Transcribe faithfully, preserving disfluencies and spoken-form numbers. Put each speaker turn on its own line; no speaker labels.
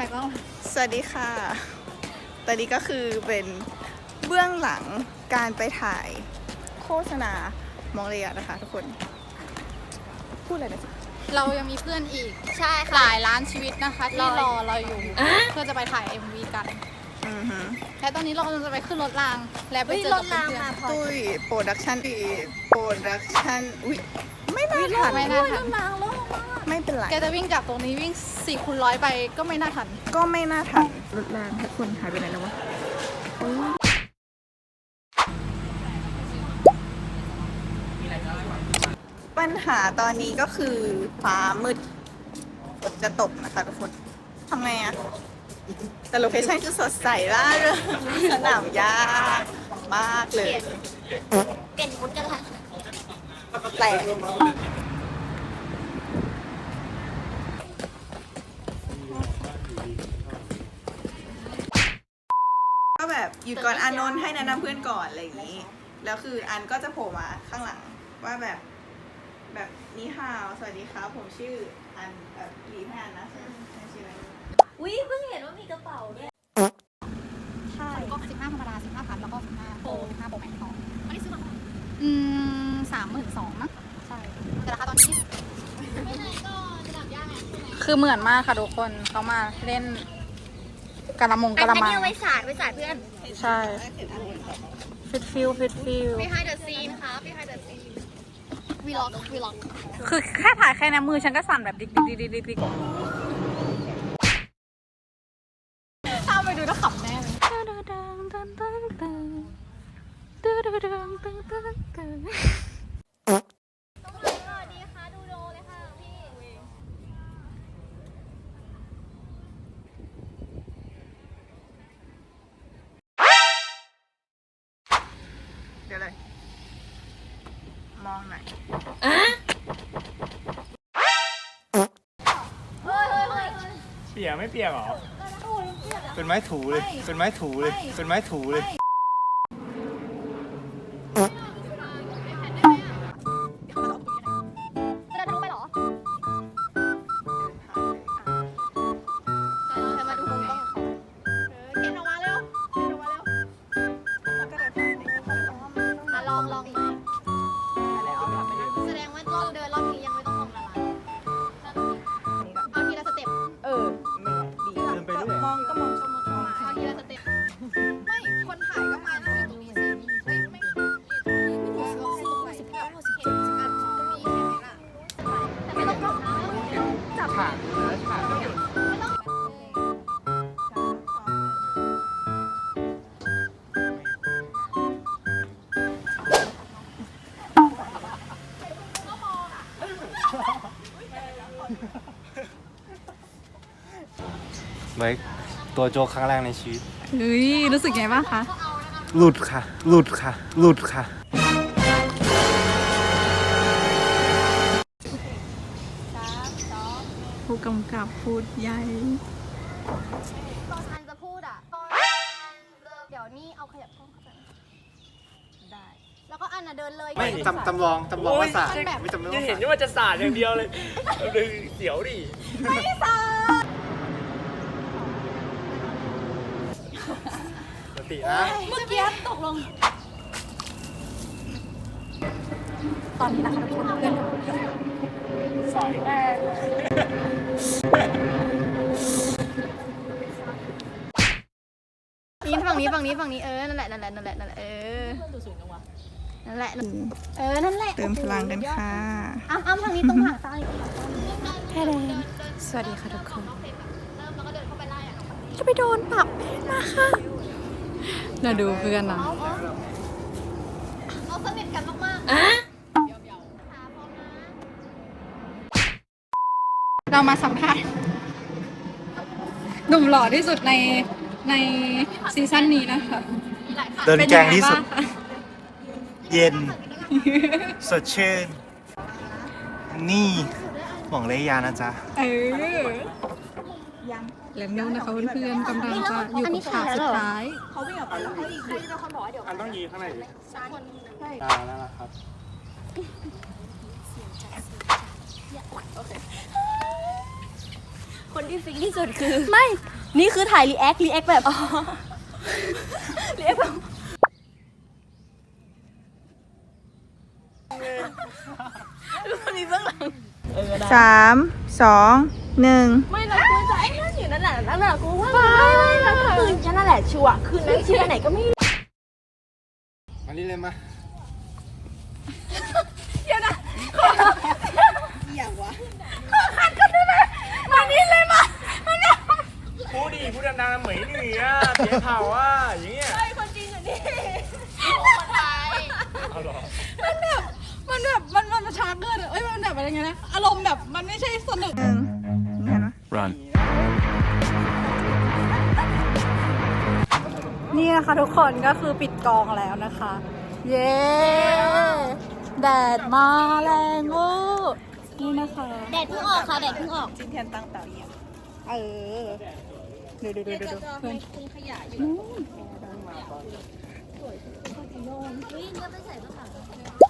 กล้อง
สวัสดีค่ะตอนนี้ก็คือเป็นเบื้องหลังการไปถ่ายโฆษณามองเรียนะคะทุกคนพูดอะไรนะ
เรายังมีเพื่อนอีก
ใช่
หลายล้านชีวิตนะคะที่รอเราอยู่เพื่อจะไปถ่าย เอ็ม วี กันและตอนนี้เรากำลังจะไปขึ้นรถรางและไปเจอกับเพื่อน
ๆตุ้ยโปรดักชั่นดีโปรดักชั่นอุ้ยไม่น่าทัน
ไม่น่าทัน
ไม่เป็นไร
แกจะวิ่งจากตรงนี้วิ่งสี่คูณร้อยไปก็ไม่น่าทัน
ก็ไม่น่าทันรถรางทุกคนหายไปไหนแล้ววะปัญหาตอนนี้ก็คือฟ้ามืดฝนจะตกนะคะทุกคนทำไงอะแต่โลเคชั่นคือสดใสมากเลยสนามหญ้ามากเลย
เปลี่ยนมุดกันละ
แต่ก็แบบอยู่ก่อนอานนท์ให้แนะนำเพื่อนก่อนอะไรอย่างนี้แล้วคืออันก็จะโผล่มาข้างหลังว่าแบบแบบนี่ฮาวสวัสดีครับผมชื่ออันแบบลีแทนนะใช่ไหมชื่ออะไร
อุ้ยเพิ่งเห็นว่ามีกระเป๋าด้วย
ใช่ก็สิบห้าธรรมดาสิบห้าพันแล้วก็สิบห้าโปรสิบห้าโปรแม็กซ์ทองอันนี้ซื้อมาอืมสามหมื่นสองนะใช่แต่ราคาตอนนี้ไม่ไหนก็ระดับย่างไงคือเหมือนมากค่ะทุกคนเขามาเล่นกระมงกระมัง
อันนี้เอาไว้สาดไว้สาดเพื่อน
ใช่ฟิตฟิลฟิตฟิล
behind the scene ครับ behind the scene vlog vlog
คือแค่ถ่ายแค่ในมือฉันก็สั่นแบบดิ๊กดิ๊กดิ๊กดิ๊กดิ๊กถ้าไปดูแล้วขำแน่เลย
เดี๋ยวเลยมองหน่อย
เปียกไม่เปียกหรอเป็นไม้ถูเลยเป็นไม้ถูเลยเป็นไม้ถูเลยไว้ตัวโจกครั้งแรกในชีวิต
เฮ้ยรู้สึกไงบ้างคะ
หลุดค่ะหลุดค่ะหลุดค่ะ
ผู้กำกับพูดใหญ่
ตอนอันจะพูดอ่ะเดี๋ยวนี่เอาขยับช่องเข้าไปได้แล้วก็อันน่ะเดินเลย
ไม่จำจำลองจำลองว่าสาดไม่จำลอง
จะเห็นว่าจะสาดอย่างเดียวเลยเลยเสียวดิ
ไม่สาด
สตินะ
เมื่อกี้ตกลงตอนนี้นะคะทุกคนเพื่อนสอยแม่นี่ฝั่งนี้ฝั่งนี้ฝั่งนี้เออนั่นแหละนั่นแหละนั่นแหละนั่นแหละเออนั่นแหละเออนั่นแหละ
เติมพลังกันค่ะ
อ้ำอ้ำทางนี้ตรงหางตาแค่เดินสวัสดีค่ะทุกคนจะไปโดนปรับมาค่ะเราดูเพื่อนนะ
เอาสนิทกันมากๆ
เรามาสัมภาษณ์หนุ่มหล่อที่สุดในในซีซั่นนี้นะคะ
เดินแกงที่สุดเย็นสดชื่นนี่หวังเลยยานะจ๊ะ
เออและนิ้วนะคะเพื่อนๆกำลังจะอยู่กับฉากสุดท้าย
เขาวิ่งออกไปแล้วเขาอีกใครจะเป็นคนบอกว่าเดี๋ยว
อันต้องยีข้างในดิใช่แล้วนะครับ
คน
คนที่ฟิกที่สุดคือ ไม่ นี่คือถ่ายรีแอครีแอคแบบรีแอคแบบมีเบื้องหลัง
สามสองหนึ่ง
ไม่เราควรจะไอ้นั่นอยู่นั่นแหละนั่นแหละกูว่าไม่ไม่ไม่คืนฉันนั่นแหละชัวร์คืนนั้นชื่อไหนก็ไม่รู้
มานี่เลยมา
เดี๋ยวนะ
อย่างวะ
มานี่เลยมามาเนี่ย
พูดดิพูดดังๆเหมยหนีอ่ะเสียเผาอ่ะอย่างเงี้ย
ไอ้คนจริงอ่ะนี่คนไทย
เอาหรอ
มันแบบมันแบบมันมันมันช้าเกินอะเอ้ยมันแบบอะไรเงี้ยนะอารมณ์แบบมันไม่ใช่สนุก
หนึ่งนี่เห็นไหม
run
นี่นะคะทุกคนก็คือปิดกองแล้วนะคะ เย้แดดมาแรงเวอร์นี่นะคะ
แดดเพิ่งออกค่ะแดดเพิ่งออก
จิ้มแทนตั้งเตาเอียง
เออดูดูดูดูดูเพื่อน
ทิ้งขยะอยู่
นู่น
วิ่งก็ไปใส่กระเป๋า